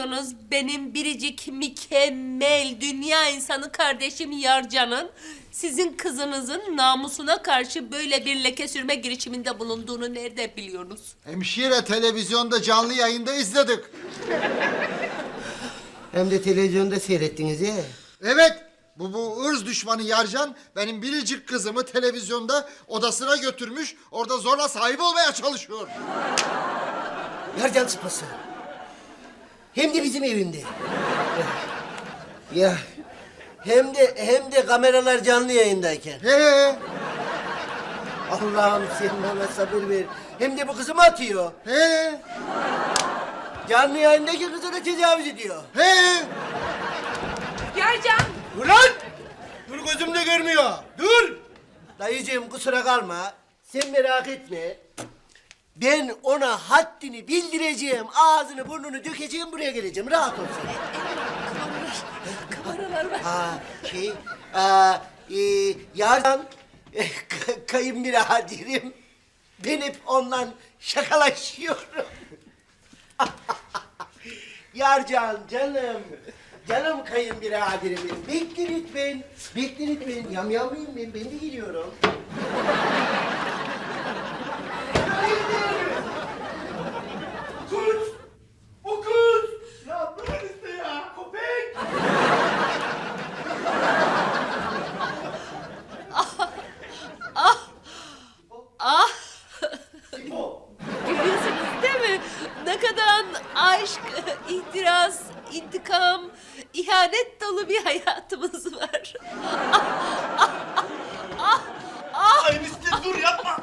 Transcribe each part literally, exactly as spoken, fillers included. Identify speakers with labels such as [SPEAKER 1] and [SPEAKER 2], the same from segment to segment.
[SPEAKER 1] sanıyorsunuz benim biricik, mükemmel, dünya insanı kardeşim Yarcan'ın sizin kızınızın namusuna karşı böyle bir leke sürme girişiminde bulunduğunu nerede biliyorsunuz?
[SPEAKER 2] Hemşire, televizyonda canlı yayında izledik.
[SPEAKER 3] Hem de televizyonda seyrettiniz ya.
[SPEAKER 2] Evet, bu, bu ırz düşmanı Yarcan benim biricik kızımı televizyonda odasına götürmüş, orada zorla sahip olmaya çalışıyor.
[SPEAKER 3] Yarcan sıpası. Hem de bizim evimde. Ya hem de hem de kameralar canlı yayındayken.
[SPEAKER 2] He
[SPEAKER 3] Allah'ım sen bana sabır ver. Hem de bu kızımı atıyor.
[SPEAKER 2] he
[SPEAKER 3] Canlı yayındaki kızına tecavüz ediyor.
[SPEAKER 2] he.
[SPEAKER 1] Yarcan!
[SPEAKER 3] Ulan! Dur gözümde görmüyor. Dur! Dayıcığım kusura kalma. Sen merak etme. Ben ona haddini bildireceğim. Ağzını burnunu dökeceğim, buraya geleceğim. Rahat ol sen.
[SPEAKER 1] Kameralar var.
[SPEAKER 3] Ha şey, aa, e, Yarcan e, ka- kayınbiraderim. Ben hep ondan şakalaşıyorum. Yarcan canım. Canım kayınbiraderim benim. Bekle lütfen. Bekle lütfen. Yamyamlıyım ben. Ben de geliyorum.
[SPEAKER 4] Kız! O kız! Ya bırak işte ya! Köpek!
[SPEAKER 1] Ah!
[SPEAKER 4] Simo!
[SPEAKER 1] Görüyorsunuz değil mi? Ne kadar aşk, ihtiras, intikam, ihanet dolu bir hayatımız var.
[SPEAKER 4] Ay Miski dur yapma!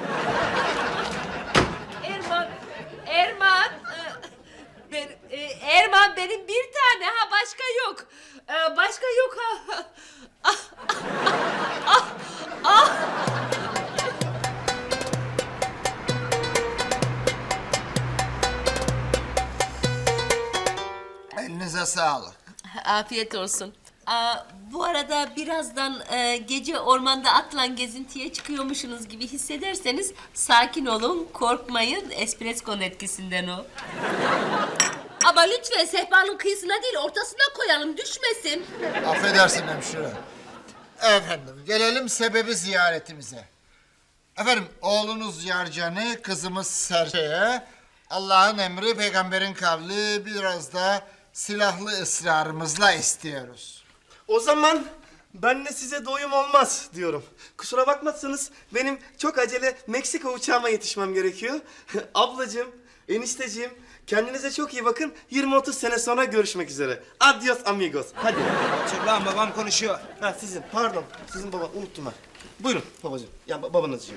[SPEAKER 1] Erman, Erman, e, ben, e, Erman benim bir tane ha başka yok. E, Başka yok ha.
[SPEAKER 2] Elinize sağlık.
[SPEAKER 1] Afiyet olsun. Aa, bu arada birazdan e, gece ormanda atla gezintiye çıkıyormuşsunuz gibi hissederseniz sakin olun, korkmayın. Espresso'nun etkisinden o. Ama lütfen sehpanın kıyısına değil ortasına koyalım, düşmesin.
[SPEAKER 2] Affedersin hemşire. Efendim, gelelim sebebi ziyaretimize. Efendim, oğlunuz Yarcan'ı, kızımız Serçe'ye Allah'ın emri, peygamberin kavli, biraz da silahlı ısrarımızla istiyoruz.
[SPEAKER 4] O zaman ben de size doyum olmaz diyorum. Kusura bakmazsanız benim çok acele Meksika uçağıma yetişmem gerekiyor. Ablacığım, enişteciğim kendinize çok iyi bakın. yirmi otuz sene sonra görüşmek üzere. Adios amigos. Hadi.
[SPEAKER 5] Çık lan, babam konuşuyor.
[SPEAKER 4] Ha sizin pardon. Sizin baba unuttum ben. Buyurun babacığım. Ya ba- babanızcığım.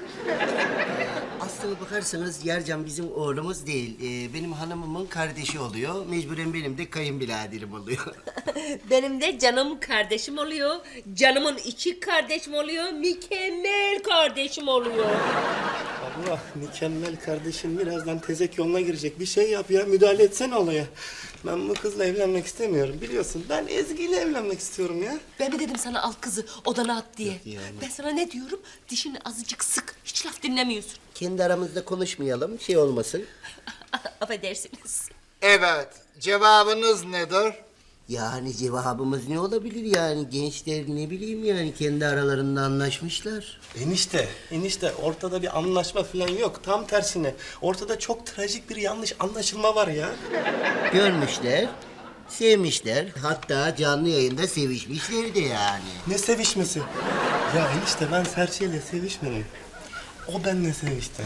[SPEAKER 3] Aslına bakarsanız Yarcan bizim oğlumuz değil. Ee, benim hanımımın kardeşi oluyor. Mecburen benim de kayınbiraderim oluyor.
[SPEAKER 1] Benim de canım kardeşim oluyor. Canımın içi kardeşim oluyor. Mükemmel kardeşim oluyor.
[SPEAKER 4] Allah mükemmel kardeşim birazdan tezek yoluna girecek. Bir şey yap ya müdahale etsene olaya. Ben bu kızla evlenmek istemiyorum biliyorsun. Ben Ezgi ile evlenmek istiyorum ya.
[SPEAKER 1] Ben mi dedim sana al kızı odana at diye?
[SPEAKER 3] yani.
[SPEAKER 1] Ben sana ne diyorum? Dişini azıcık sık. Hiç laf dinlemiyorsun.
[SPEAKER 3] Kendi aramızda konuşmayalım, şey olmasın.
[SPEAKER 1] Affedersiniz.
[SPEAKER 2] Evet, cevabınız nedir?
[SPEAKER 3] Yani cevabımız ne olabilir yani? Gençler ne bileyim yani kendi aralarında anlaşmışlar.
[SPEAKER 4] Enişte, enişte ortada bir anlaşma falan yok. Tam tersine ortada çok trajik bir yanlış anlaşılma var ya.
[SPEAKER 3] Görmüşler, sevmişler. Hatta canlı yayında sevişmişler de yani.
[SPEAKER 4] Ne sevişmesi? Ya enişte ben Serçe'yle sevişmedim. O benimle sevişti.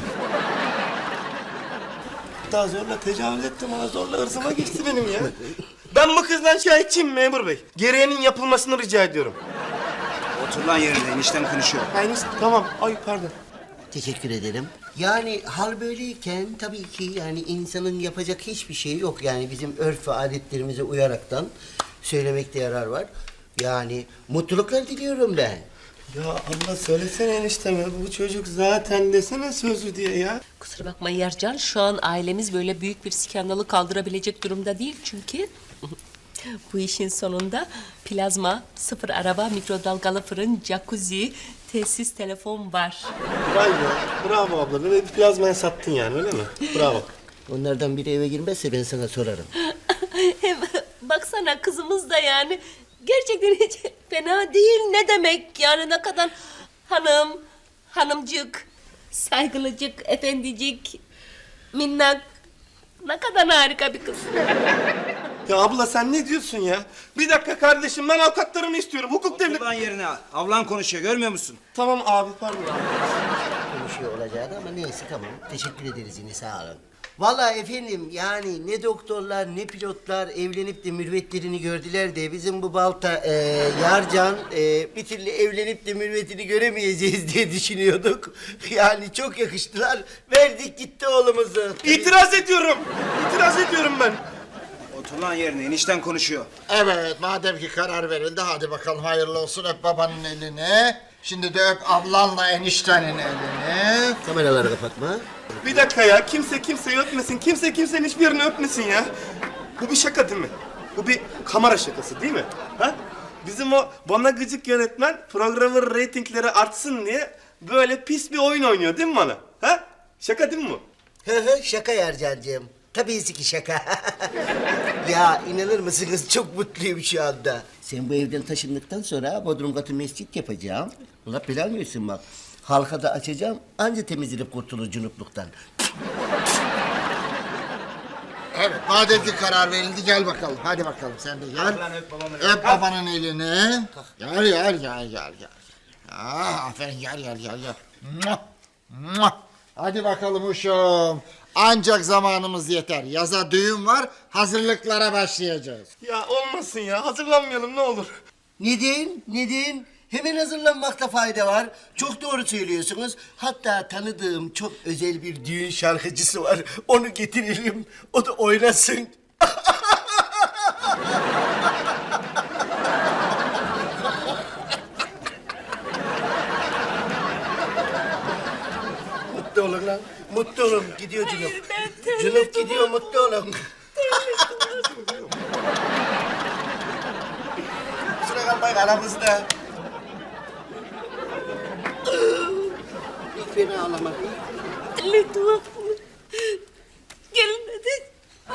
[SPEAKER 4] Daha zorla tecavüz etti bana, zorla ırzıma geçti benim ya. Ben bu kızdan şikayetçiyim memur bey. Gereğinin yapılmasını rica ediyorum.
[SPEAKER 5] Otur lan yerine, eniştem konuşuyor.
[SPEAKER 4] Ha, enişte tamam. Ay pardon.
[SPEAKER 3] Teşekkür ederim. Yani hal böyleyken tabii ki yani insanın yapacak hiçbir şey yok. Yani bizim örf ve adetlerimize uyaraktan söylemekte yarar var. Yani mutluluklar diliyorum ben.
[SPEAKER 4] Ya Allah söylesene enişteme. Bu çocuk zaten desene sözü diye ya.
[SPEAKER 1] Kusura bakma Yarcan, şu an ailemiz böyle büyük bir skandalı kaldırabilecek durumda değil çünkü bu işin sonunda plazma, sıfır araba, mikrodalgalı fırın, jacuzzi, tesis, telefon var.
[SPEAKER 4] Vay be. Bravo abla. Böyle bir plazmaya sattın yani öyle mi? Bravo.
[SPEAKER 3] Onlardan biri eve girmezse ben sana sorarım.
[SPEAKER 1] Hem baksana kızımız da yani gerçekten hiç fena değil. Ne demek yani ne kadar hanım, hanımcık, saygılıcık, efendicik, minnak. Ne kadar harika bir kız.
[SPEAKER 4] Ya abla sen ne diyorsun ya? Bir dakika kardeşim, ben avukatlarımı istiyorum. Hukuk devleti...
[SPEAKER 5] Otur lan yerine. Ablan konuşuyor, görmüyor musun?
[SPEAKER 4] Tamam abi, pardon.
[SPEAKER 3] Konuşuyor olacaktı ama neyse tamam. Teşekkür ederiz yine, sağ olun. Vallahi efendim yani ne doktorlar ne pilotlar evlenip de mürvetlerini gördüler de bizim bu balta e, Yarcan e, bir türlü evlenip de mürvetini göremeyeceğiz diye düşünüyorduk. Yani çok yakıştılar. Verdik gitti oğlumuzu.
[SPEAKER 4] İtiraz ediyorum. İtiraz ediyorum ben.
[SPEAKER 5] Otur lan yerine, enişten konuşuyor.
[SPEAKER 2] Evet, madem ki karar verildi, hadi bakalım hayırlı olsun. Öp babanın elini. Şimdi de öp ablanla eniştenin elini.
[SPEAKER 3] Kameraları kapatma.
[SPEAKER 4] Bir dakika ya, kimse kimseyi öpmesin. Kimse kimsenin hiçbirini öpmesin ya. Bu bir şaka değil mi? Bu bir kamera şakası değil mi? Ha? Bizim o bana gıcık yönetmen programın reytingleri artsın diye böyle pis bir oyun oynuyor değil mi bana? Ha? Şaka değil mi bu?
[SPEAKER 3] Hı hı, şaka Yarcancığım. Tabii ki şaka. Ya inanır mısınız, çok mutluyum şu anda. Sen bu evden taşındıktan sonra bodrum katı mescit yapacağım. Allah belanı versin bak. Halka da açacağım, anca temizlenip kurtulur cunupluktan.
[SPEAKER 2] Evet, madem ki karar verildi, gel bakalım. Hadi bakalım, sen de gel.
[SPEAKER 5] Lan öp babamın
[SPEAKER 2] Öp babanın elini. Gel, gel, gel, gel, gel. Ah, aferin, gel, gel, gel, gel. Muah, muah. Hadi bakalım uşum. Ancak zamanımız yeter. Yaza düğün var, hazırlıklara başlayacağız.
[SPEAKER 4] Ya olmasın ya, hazırlanmayalım ne olur.
[SPEAKER 3] Neden? Neden? Hemen hazırlanmakta fayda var. Çok doğru söylüyorsunuz. Hatta tanıdığım çok özel bir düğün şarkıcısı var. Onu getirelim, o da oynasın. Mutlu olun lan. Mutlu olun. Gidiyor Cunup. Cunup gidiyor, mutlu olun. Kusura kalmayın aramızda. Hiç fena ağlamak.
[SPEAKER 1] Lütfen. Gelin hadi.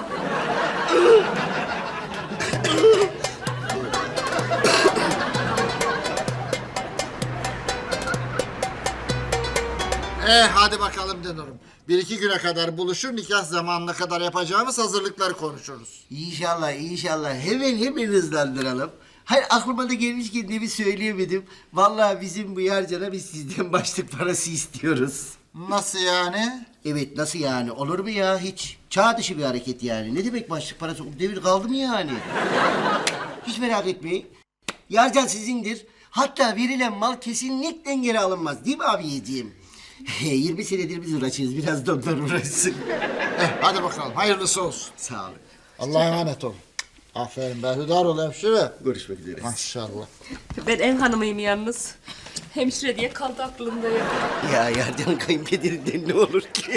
[SPEAKER 2] Eh, hadi bakalım Denorum. Bir iki güne kadar buluşur, nikah zamanına kadar yapacağımız hazırlıkları konuşuruz.
[SPEAKER 3] İnşallah, inşallah. Hemen hemen hızlandıralım. Hayır, aklıma da gelmişken de bir söyleyemedim. Vallahi bizim bu Yarcan'a biz sizden başlık parası istiyoruz.
[SPEAKER 2] Nasıl yani?
[SPEAKER 3] Evet, nasıl yani? Olur mu ya hiç? Çağ dışı bir hareket yani. Ne demek başlık parası? O devir kaldı mı yani? Hiç merak etmeyin. Yarcan sizindir. Hatta verilen mal kesinlikle geri alınmaz. Değil mi abiyeciğim? yirmi senedir biz uğraşıyoruz. Biraz da onlar uğraşsın.
[SPEAKER 2] Eh, hadi bakalım, hayırlısı olsun.
[SPEAKER 3] Sağ olun.
[SPEAKER 2] Allah'a emanet olun. Aferin be, hüdar ol hemşire.
[SPEAKER 3] Görüşmek üzere.
[SPEAKER 2] Maşallah.
[SPEAKER 1] Ben ev hanımıyım yalnız. Hemşire diye kaldı aklımda ya.
[SPEAKER 3] Ya Yarcan kayınpederinden ne olur ki?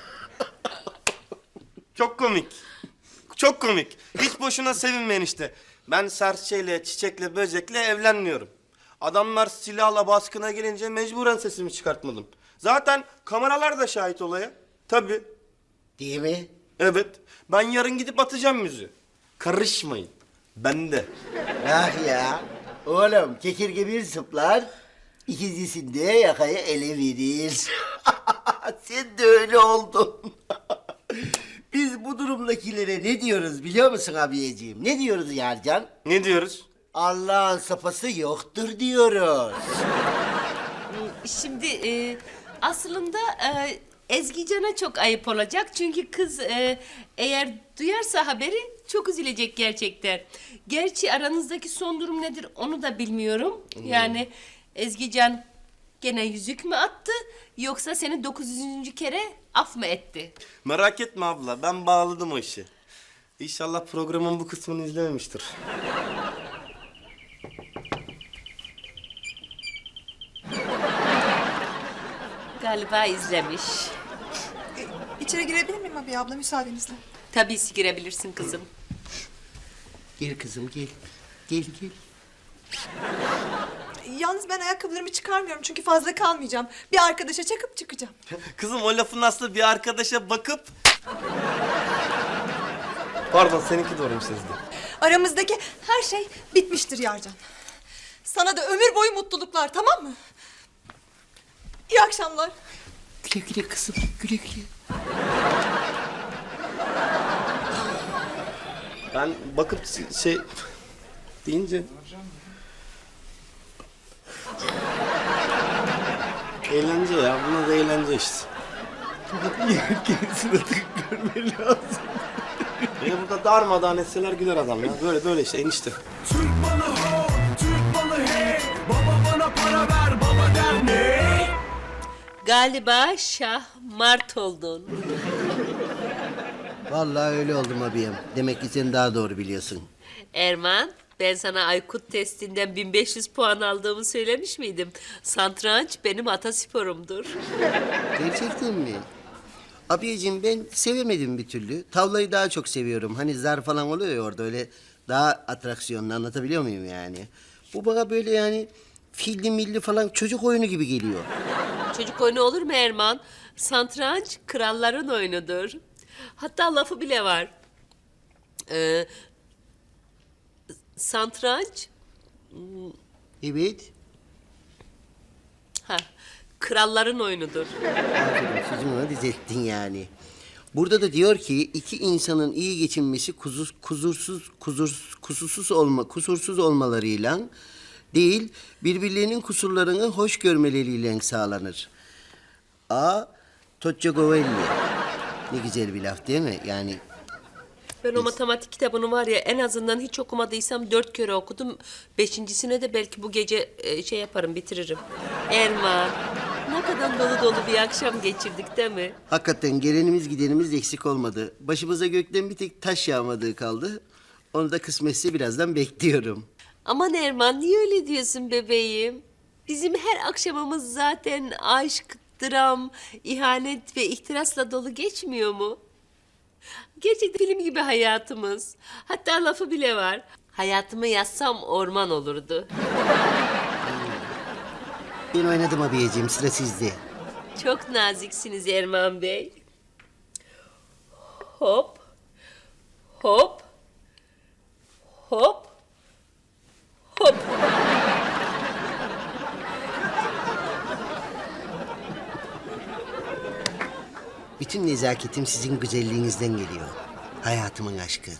[SPEAKER 4] Çok komik. Çok komik. Hiç boşuna sevinmeyin işte. Ben serçeyle, çiçekle, böcekle evlenmiyorum. Adamlar silahla baskına gelince mecburen sesimi çıkartmadım. Zaten kameralar da şahit olaya. Tabii.
[SPEAKER 3] Değil mi?
[SPEAKER 4] Evet. Ben yarın gidip atacağım müziği. Karışmayın. Ben de.
[SPEAKER 3] Ah ya. Oğlum kekirge bir zıplar, ikincisinde yakayı ele verir. Sen de öyle oldun. Biz bu durumdakilere ne diyoruz biliyor musun abiyeciğim? Ne diyoruz Yarcan?
[SPEAKER 4] Ne diyoruz?
[SPEAKER 3] Allah'ın sapası yoktur diyoruz.
[SPEAKER 1] Şimdi e, aslında e, Ezgican'a çok ayıp olacak. Çünkü kız e, eğer duyarsa haberi çok üzülecek gerçekten. Gerçi aranızdaki son durum nedir onu da bilmiyorum. Yani Ezgican gene yüzük mü attı yoksa seni dokuz yüzüncü kere af mı etti?
[SPEAKER 4] Merak etme abla. Ben bağladım o işi. İnşallah programın bu kısmını izlememiştir.
[SPEAKER 1] Galiba izlemiş.
[SPEAKER 6] İçeri girebilir miyim abi abla müsaadenizle?
[SPEAKER 1] Tabii ki girebilirsin kızım.
[SPEAKER 3] Gel kızım gel. Gel gel.
[SPEAKER 6] Yalnız ben ayakkabılarımı çıkarmıyorum çünkü fazla kalmayacağım. Bir arkadaşa çakıp çıkacağım.
[SPEAKER 4] Kızım o lafın aslı bir arkadaşa bakıp... Pardon, seninki doğruymuş Sezgi.
[SPEAKER 6] Aramızdaki her şey bitmiştir Yarcan. Sana da ömür boyu mutluluklar, tamam mı? İyi akşamlar.
[SPEAKER 3] Güle güle kızım, güle güle.
[SPEAKER 4] Ben bakıp şey deyince... Eğlence ya, buna da eğlence işte.
[SPEAKER 3] Kendisine tık görmen lazım.
[SPEAKER 4] Beni burada darmadağın etseler güler adam ya. Böyle böyle işte enişte.
[SPEAKER 7] Türk malı ho, Türk malı hey. Baba bana para ver, baba der ne?
[SPEAKER 1] Galiba Şah Mart oldun.
[SPEAKER 3] Vallahi öyle oldum abiyim. Demek ki sen daha doğru biliyorsun.
[SPEAKER 1] Erman, ben sana Aykut testinden bin beş yüz puan aldığımı söylemiş miydim? Satranç benim atasporumdur.
[SPEAKER 3] Gerçekten mi? Abiyeciğim ben sevemedim bir türlü. Tavlayı daha çok seviyorum. Hani zar falan oluyor ya orada öyle daha atraksiyonlu, anlatabiliyor muyum yani? Bu bana böyle yani filli milli falan çocuk oyunu gibi geliyor.
[SPEAKER 1] Çocuk oyunu olur mu Erman? Satranç kralların oyunudur. Hatta lafı bile var. Ee, satranç,
[SPEAKER 3] Evet.
[SPEAKER 1] ha, kralların oyunudur.
[SPEAKER 3] Aferin, sözümü ona düzelttin yani. Burada da diyor ki iki insanın iyi geçinmesi kuzuz, kuzursuz, kuzur, kusursuz olma, kusursuz olmalarıyla değil, birbirlerinin kusurlarını hoş görmeleriyle sağlanır. A. Toccagovelli. Ne güzel bir laf değil mi? Yani
[SPEAKER 1] Ben o matematik kitabını var ya en azından hiç okumadıysam dört kere okudum. Beşincisine de belki bu gece e, şey yaparım bitiririm. Erman, ne kadar dolu dolu bir akşam geçirdik değil mi?
[SPEAKER 3] hakikaten gelenimiz gidenimiz eksik olmadı. Başımıza gökten bir tek taş yağmadığı kaldı. Onu da kısmetse birazdan bekliyorum.
[SPEAKER 1] Aman Erman niye öyle diyorsun bebeğim? Bizim her akşamımız zaten aşk, dram, ihanet ve ihtirasla dolu geçmiyor mu? Gerçekten film gibi hayatımız. Hatta lafı bile var. Hayatımı yazsam orman olurdu.
[SPEAKER 3] Ben oynadım abiyeciğim, sıra sizde.
[SPEAKER 1] Çok naziksiniz Erman Bey. Hop. Hop. Hop. Hop.
[SPEAKER 3] Bütün nezaketim sizin güzelliğinizden geliyor. Hayatımın aşkı.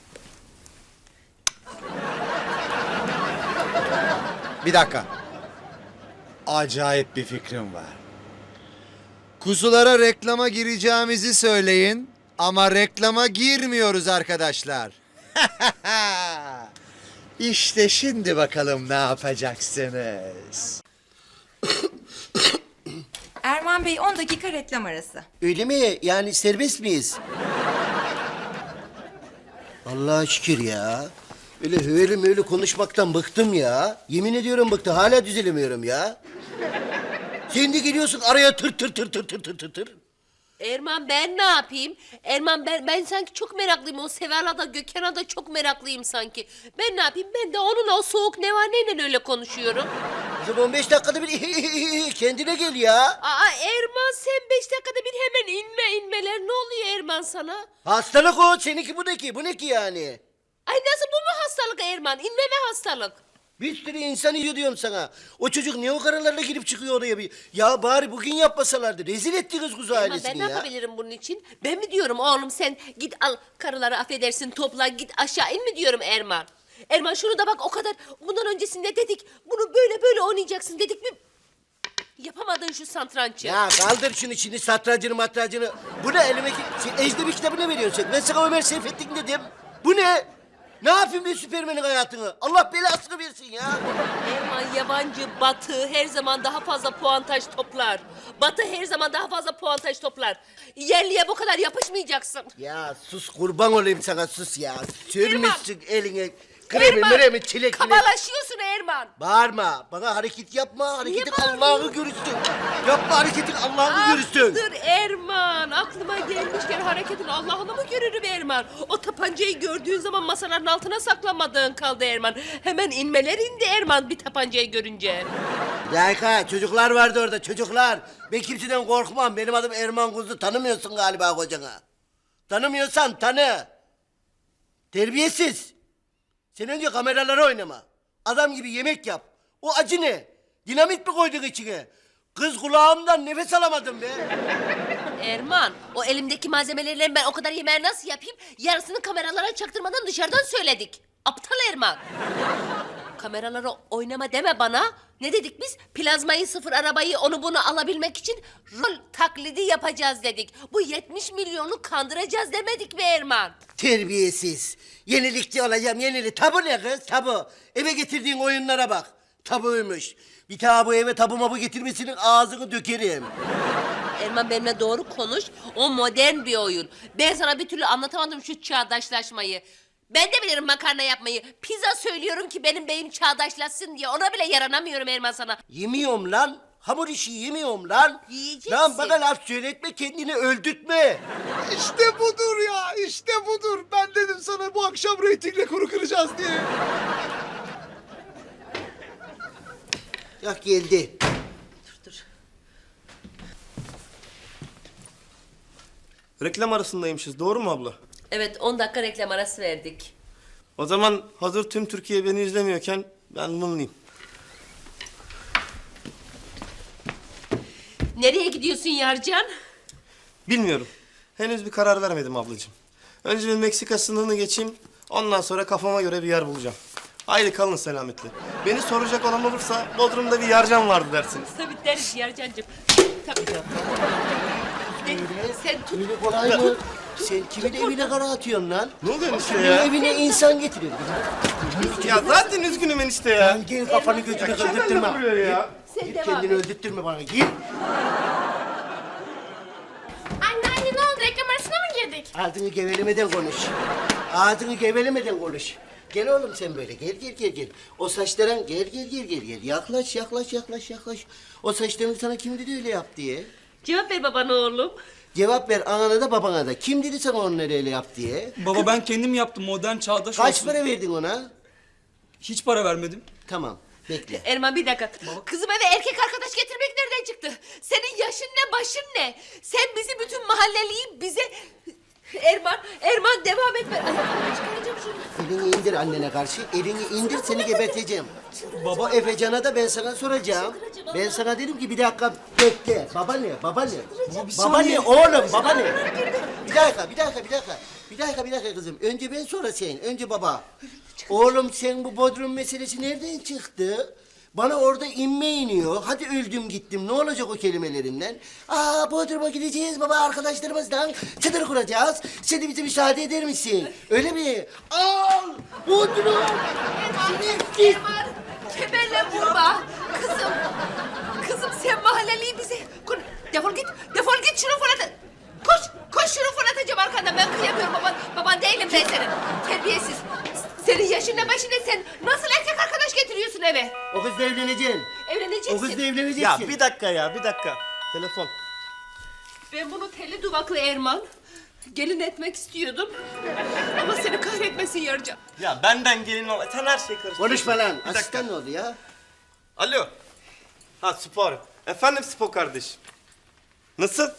[SPEAKER 2] Bir dakika. Acayip bir fikrim var. Kuzulara reklama gireceğimizi söyleyin ama reklama girmiyoruz arkadaşlar. İşte şimdi bakalım ne yapacaksınız.
[SPEAKER 8] Erman Bey on dakika reklam arası.
[SPEAKER 3] Öyle mi? Yani serbest miyiz? Allah'a şükür ya. Öyle öyle öyle konuşmaktan bıktım ya. Yemin ediyorum bıktım. Hala düzelemiyorum ya. Sen de geliyorsun araya tır tır tır tır tır tır tır tır.
[SPEAKER 1] Erman ben ne yapayım? Erman ben ben sanki çok meraklıyım. O Seval'a da Gökhan'a da çok meraklıyım sanki. Ben ne yapayım? Ben de onunla o soğuk nevaneyle öyle konuşuyorum.
[SPEAKER 3] Kızım on beş dakikada bir kendine gel ya.
[SPEAKER 1] Aa Erman sen beş dakikada bir hemen inme inmeler. Ne oluyor Erman sana?
[SPEAKER 3] Hastalık o. Seninki bu ne ki? Bu ne ki yani?
[SPEAKER 1] Ay nasıl bu mu hastalık Erman? İnmeme hastalık.
[SPEAKER 3] Bir sürü insan yiyor diyorum sana. O çocuk niye o karalarla girip çıkıyor oraya bir? Ya bari bugün yapmasalardı. Rezil ettiniz kuzu
[SPEAKER 1] Erman
[SPEAKER 3] ailesini
[SPEAKER 1] ben
[SPEAKER 3] ya.
[SPEAKER 1] ne yapabilirim bunun için? Ben mi diyorum oğlum sen git al karıları affedersin topla git aşağı in mi diyorum Erman? Erman şunu da bak o kadar bundan öncesinde dedik bunu böyle böyle oynayacaksın dedik mi? Yapamadın şu satrançı.
[SPEAKER 3] Ya kaldır şunu şimdi satrancını matrancını. Bu ne elime ki? Sen ecnebi kitabı ne veriyorsun sen? Ben sana Ömer Seyfettin dedim. Bu ne? Ne yapayım ben Süpermen'in hayatını? Allah belasını versin ya.
[SPEAKER 1] Erman yabancı Batı her zaman daha fazla puantaj toplar. Batı her zaman daha fazla puantaj toplar. Yerliye bu kadar yapışmayacaksın.
[SPEAKER 3] Ya sus kurban olayım sana sus ya. Sürmüşsün eline kremi
[SPEAKER 1] Erman,
[SPEAKER 3] mremi çilek milek.
[SPEAKER 1] kabalaşıyorsun Erman.
[SPEAKER 3] Bağırma. Bana hareket yapma. Hareketin
[SPEAKER 1] bağırıyorsun?
[SPEAKER 3] Allah'ı görürsün. Yapma hareketin Allah'ı görürsün.
[SPEAKER 1] Dur Erman aklıma gelmişken hareketin Allah'ını mı görürüm Erman? O tapancayı gördüğün zaman masaların altına saklamadığın kaldı Erman. Hemen inmeler indi Erman bir tapancayı görünce.
[SPEAKER 3] Bir dakika çocuklar vardı orada çocuklar. Ben kimseden korkmam. Benim adım Erman Kuzu. Tanımıyorsun galiba kocanı. Tanımıyorsan tanı. Terbiyesiz. Sen önce kameralara oynama. Adam gibi yemek yap. O acı ne? Dinamit mi koyduk içine? Kız kulağımdan nefes alamadım be.
[SPEAKER 1] Erman, o elimdeki malzemelerle ben o kadar yemeği nasıl yapayım? Yarısını kameralara çaktırmadan dışarıdan söyledik. Aptal Erman. Kameralara oynama deme bana. Ne dedik biz? Plazmayı, sıfır arabayı, onu bunu alabilmek için rol taklidi yapacağız dedik. Bu yetmiş milyonu kandıracağız demedik mi Erman?
[SPEAKER 3] Terbiyesiz. Yenilikçi olacağım yenili. Tabu ne kız tabu? Eve getirdiğin oyunlara bak. Tabuymuş. Bir daha bu eve tabu mabu getirmesinin ağzını dökerim.
[SPEAKER 1] Erman benimle doğru konuş. O modern bir oyun. Ben sana bir türlü anlatamadım şu çağdaşlaşmayı. Ben de bilirim makarna yapmayı. Pizza söylüyorum ki benim beyim çağdaşlaşsın diye. Ona bile yaranamıyorum Erman sana.
[SPEAKER 3] Yemiyorum lan. Hamur işi yemiyorum lan.
[SPEAKER 1] Yiyeceksin.
[SPEAKER 3] Lan bana laf söyletme kendini öldürtme.
[SPEAKER 7] İşte budur ya, işte budur. Ben dedim sana bu akşam reyting rekoru kıracağız diye.
[SPEAKER 3] Yak geldi.
[SPEAKER 1] Dur.
[SPEAKER 4] Reklam arasındaymışız, doğru mu abla?
[SPEAKER 1] Evet on dakika reklam arası verdik.
[SPEAKER 4] O zaman hazır tüm Türkiye beni izlemiyorken ben mımlıyım.
[SPEAKER 1] Nereye gidiyorsun Yarcan?
[SPEAKER 4] Bilmiyorum. Henüz bir karar vermedim ablacığım. Önce bir Meksika sınırını geçeyim. Ondan sonra kafama göre bir yer bulacağım. Haydi kalın selametle. Beni soracak olan olursa Bodrum'da bir yarcan vardı dersiniz.
[SPEAKER 1] Tabii deriz Yarcancığım. Tabii. Sen, sen tut.
[SPEAKER 3] Öyle kolay mı? Sen kimin evine kara atıyorsun lan?
[SPEAKER 4] Ne oluyor enişte
[SPEAKER 3] Kimin
[SPEAKER 4] ya?
[SPEAKER 3] evine insan getiriyor.
[SPEAKER 4] Ya zaten üzgünüm enişte ya.
[SPEAKER 3] Lan gel kafanı gözünü öldürtme.
[SPEAKER 4] Buraya ya.
[SPEAKER 1] Sen
[SPEAKER 3] Git
[SPEAKER 1] devam
[SPEAKER 3] kendini
[SPEAKER 1] et.
[SPEAKER 3] öldürtme bana git.
[SPEAKER 9] Anne anne ne oldu? Reklam arasına mı girdik?
[SPEAKER 3] Ağzını gevelemeden konuş. Ağzını gevelemeden konuş. Gel oğlum sen böyle gel gel gel gel. O saçların gel gel gel gel gel. Yaklaş yaklaş yaklaş yaklaş. O saçlarını sana kim dedi öyle yap diye.
[SPEAKER 1] Cevap ver babana oğlum.
[SPEAKER 3] Cevap ver anana da babana da. Kim dedi sana onları öyle yap diye?
[SPEAKER 10] Baba ben kendim yaptım modern çağdaş
[SPEAKER 3] Kaç
[SPEAKER 10] olsun.
[SPEAKER 3] para verdin ona?
[SPEAKER 10] Hiç para vermedim.
[SPEAKER 3] Tamam bekle.
[SPEAKER 1] Erman bir dakika. Kızım eve erkek arkadaş getirmek nereden çıktı? Senin yaşın ne, başın ne? Sen bizi bütün mahalleliyi bize... Erman, Erman devam etme. Ay, çıkaracağım şunu.
[SPEAKER 3] Elini indir annene karşı. Elini indir seni geberteceğim. Baba Efecan'a da ben sana soracağım. Ben sana dedim ki bir dakika bekle. Baba ne? Baba ne? Baba ne oğlum? Baba ne? Bir dakika, bir dakika, bir dakika. Bir dakika, bir dakika kızım. Önce ben sonra sen. Önce baba. Oğlum sen bu Bodrum meselesi nereden çıktı? Bana orada inme iniyor. Hadi öldüm gittim. Ne olacak o kelimelerinden? Aa Bodrum'a gideceğiz baba arkadaşlarımızdan. Çadır kuracağız. Sen de bize müsaade eder misin? Öyle mi? Al! Bodrum!
[SPEAKER 1] Erman, Erman. Kemerle vurma. Kızım, kızım sen mahalleliyi bize... Kur- Defol git, defol git şunu fırlat. Koş, koş şunu fırlatacağım arkandan. Ben kıyamıyorum baban. Baban değilim ben senin. Terbiyesiz. Senin yaşın ne başın ne sen? Nasıl erkek arkadaş getiriyorsun eve?
[SPEAKER 3] O kızla evleneceksin.
[SPEAKER 1] Evleneceksin.
[SPEAKER 3] O kızla evleneceksin.
[SPEAKER 4] Ya bir dakika ya bir dakika. Telefon.
[SPEAKER 1] Ben bunu telli duvaklı Erman gelin etmek istiyordum. Ama seni kahretmesin Yarcan.
[SPEAKER 4] Ya benden gelin ol. Sen her şeyi karıştırdın.
[SPEAKER 3] Konuşma lan.
[SPEAKER 4] Bir dakika.
[SPEAKER 3] Asistan ne oldu ya?
[SPEAKER 4] Alo. Ha spor. Efendim spor kardeş. Nasıl?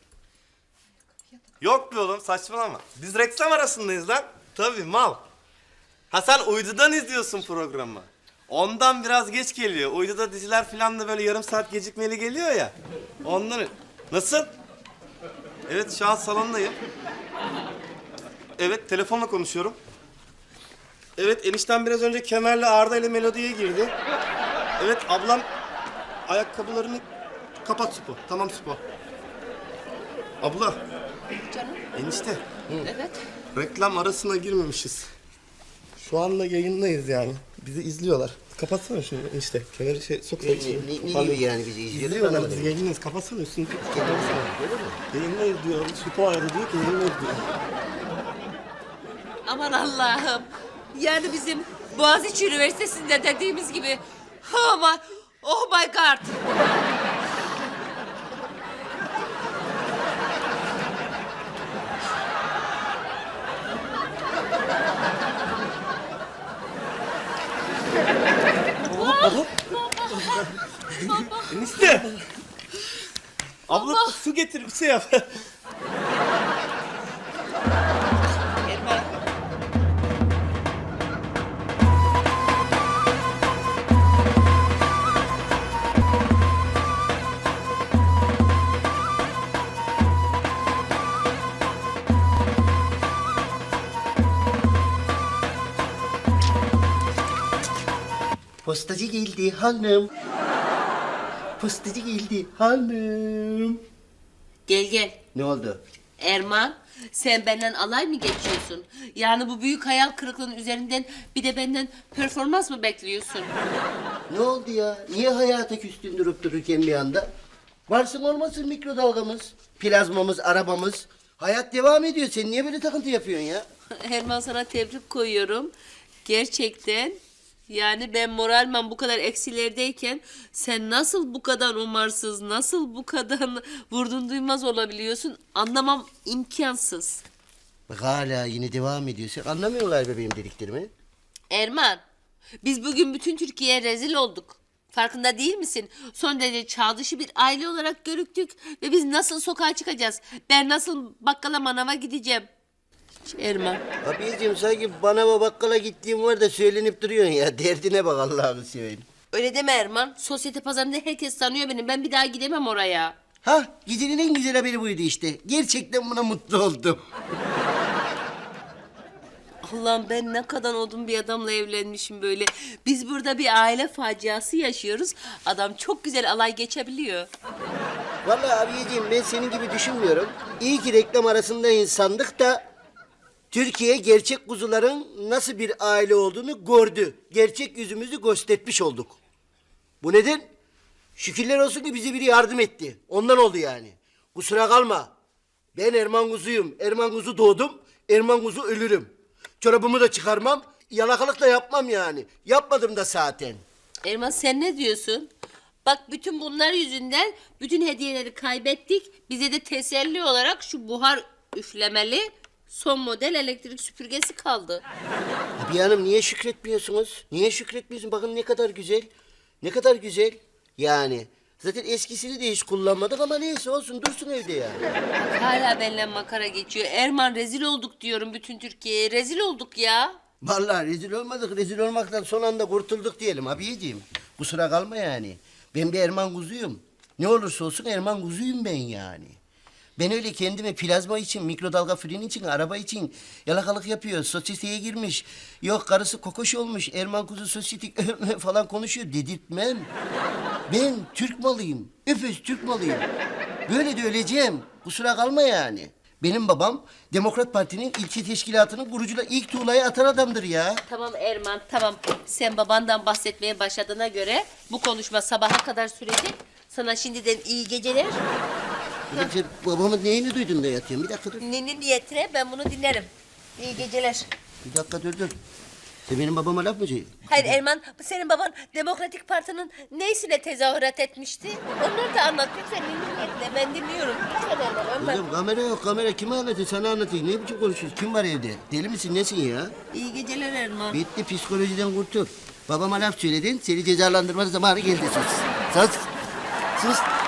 [SPEAKER 4] Yok be oğlum saçmalama. Biz reklam arasındayız lan. Tabii mal. Ha sen uydudan izliyorsun programı. Ondan biraz geç geliyor. Uyduda diziler falan da böyle yarım saat gecikmeli geliyor ya. Ondan... Nasıl? Evet şu an salondayım. Evet telefonla konuşuyorum. Evet enişten biraz önce Kemer'le Arda ile Melodi'ye girdi. Evet ablam ayakkabılarını kapat Spo. Tamam Spo. Abla.
[SPEAKER 1] Canım.
[SPEAKER 4] Enişte.
[SPEAKER 1] Evet.
[SPEAKER 4] Reklam arasına girmemişiz. Şu anda yayındayız yani. Bizi izliyorlar. Kapatsana şunu enişte. Kemeri şey sok.
[SPEAKER 3] Ne, ne, ne gibi yani bizi izliyorlar?
[SPEAKER 4] İzliyorlar
[SPEAKER 3] Anlamadım.
[SPEAKER 4] bizi yayındayız. Kapatsana üstünü. Yayındayız diyor. Spo aradı diyor ki yayındayız diyor.
[SPEAKER 1] Aman Allah'ım. Yani bizim Boğaziçi Üniversitesi'nde dediğimiz gibi. Oh my, oh my God.
[SPEAKER 4] Enişte. Abla su getir bir şey yap.
[SPEAKER 1] Erman.
[SPEAKER 3] Postacı geldi hanım. Postacı geldi hanım.
[SPEAKER 1] Gel gel.
[SPEAKER 3] Ne oldu?
[SPEAKER 1] Erman, sen benden alay mı geçiyorsun? Yani bu büyük hayal kırıklığının üzerinden bir de benden performans mı bekliyorsun?
[SPEAKER 3] Ne oldu ya? Niye hayata küstün durup dururken bir anda? Varsın olmasın mikrodalgamız, plazmamız, arabamız. Hayat devam ediyor. Sen niye böyle takıntı yapıyorsun ya?
[SPEAKER 1] Erman, sana tebrik koyuyorum. Gerçekten yani ben moralman bu kadar eksilerdeyken sen nasıl bu kadar umarsız, nasıl bu kadar vurdun duymaz olabiliyorsun anlamam imkansız.
[SPEAKER 3] Bak hala yine devam ediyorsun. Anlamıyorlar bebeğim dediklerimi.
[SPEAKER 1] Erman, biz bugün bütün Türkiye'ye rezil olduk. Farkında değil misin? Son derece çağ dışı bir aile olarak görüktük ve biz nasıl sokağa çıkacağız? Ben nasıl bakkala manava gideceğim? Erman.
[SPEAKER 3] Abiciğim sanki bana ve bakkala gittiğim var da söylenip duruyorsun ya. Derdine bak Allah'ını seveyim.
[SPEAKER 1] Öyle deme Erman. Sosyete pazarında herkes tanıyor beni. Ben bir daha gidemem oraya.
[SPEAKER 3] Ha, gecenin en güzel haberi buydu işte. Gerçekten buna mutlu oldum.
[SPEAKER 1] Allah'ım, ben ne kadar odun bir adamla evlenmişim böyle. Biz burada bir aile faciası yaşıyoruz. Adam çok güzel alay geçebiliyor.
[SPEAKER 3] Vallahi abiciğim ben senin gibi düşünmüyorum. İyi ki reklam arasında insandık da Türkiye gerçek kuzuların nasıl bir aile olduğunu gördü. Gerçek yüzümüzü göstermiş olduk. Bu neden? Şükürler olsun ki bize biri yardım etti. Ondan oldu yani. Kusura kalma. Ben Erman Kuzu'yum. Erman Kuzu doğdum. Erman Kuzu ölürüm. Çorabımı da çıkarmam. Yalakalık da yapmam yani. Yapmadım da zaten.
[SPEAKER 1] Erman, sen ne diyorsun? Bak, bütün bunlar yüzünden bütün hediyeleri kaybettik. Bize de teselli olarak şu buhar üflemeli son model elektrik süpürgesi kaldı.
[SPEAKER 3] Abi hanım niye şükretmiyorsunuz? Niye şükretmiyorsun? Bakın ne kadar güzel. Ne kadar güzel. Yani zaten eskisini de hiç kullanmadık ama neyse olsun dursun evde yani.
[SPEAKER 1] Hala benimle makara geçiyor. Erman, rezil olduk diyorum bütün Türkiye'ye. Rezil olduk ya.
[SPEAKER 3] Vallahi rezil olmadık. Rezil olmaktan son anda kurtulduk diyelim abiyeciğim. Kusura kalma yani. Ben bir Erman Kuzu'yum. Ne olursa olsun Erman Kuzu'yum ben yani. Ben öyle kendime plazma için, mikrodalga fırın için, araba için yalakalık yapıyor. Sosyeteye girmiş. Yok karısı kokoş olmuş. Erman Kuzu sosyetik falan konuşuyor. Dedirtmem. Ben Türk malıyım. Öpüz Türk malıyım. Böyle de öleceğim. Kusura kalma yani. Benim babam Demokrat Parti'nin ilçe teşkilatının kurucuyla ilk tuğlayı atan adamdır ya.
[SPEAKER 1] Tamam Erman, tamam. Sen babandan bahsetmeye başladığına göre bu konuşma sabaha kadar sürecek. Sana şimdiden iyi geceler.
[SPEAKER 3] Bir dakika, sen babamın neyini duydun da yatıyorsun? Bir dakika dur.
[SPEAKER 1] Nenin niyetine ben bunu dinlerim. İyi geceler.
[SPEAKER 3] Bir dakika dur dur. Sen benim babama laf mı söylüyorsun?
[SPEAKER 1] Hayır Erman, senin baban Demokratik Parti'nin neysine tezahürat etmişti? Onları da anlat lütfen, nenin niyetine. Ben dinliyorum. Lütfen Erman, anlat.
[SPEAKER 3] Kızım kamera yok kamera. Kime anlatayım? Sana anlatayım. Ne biçim konuşuyorsun? Kim var evde? Deli misin? Nesin ya?
[SPEAKER 1] İyi geceler Erman.
[SPEAKER 3] Bitti psikolojiden kurtul. Babama laf söyledin. Seni cezalandırmanın zamanı geldi sus. Sus. Sus.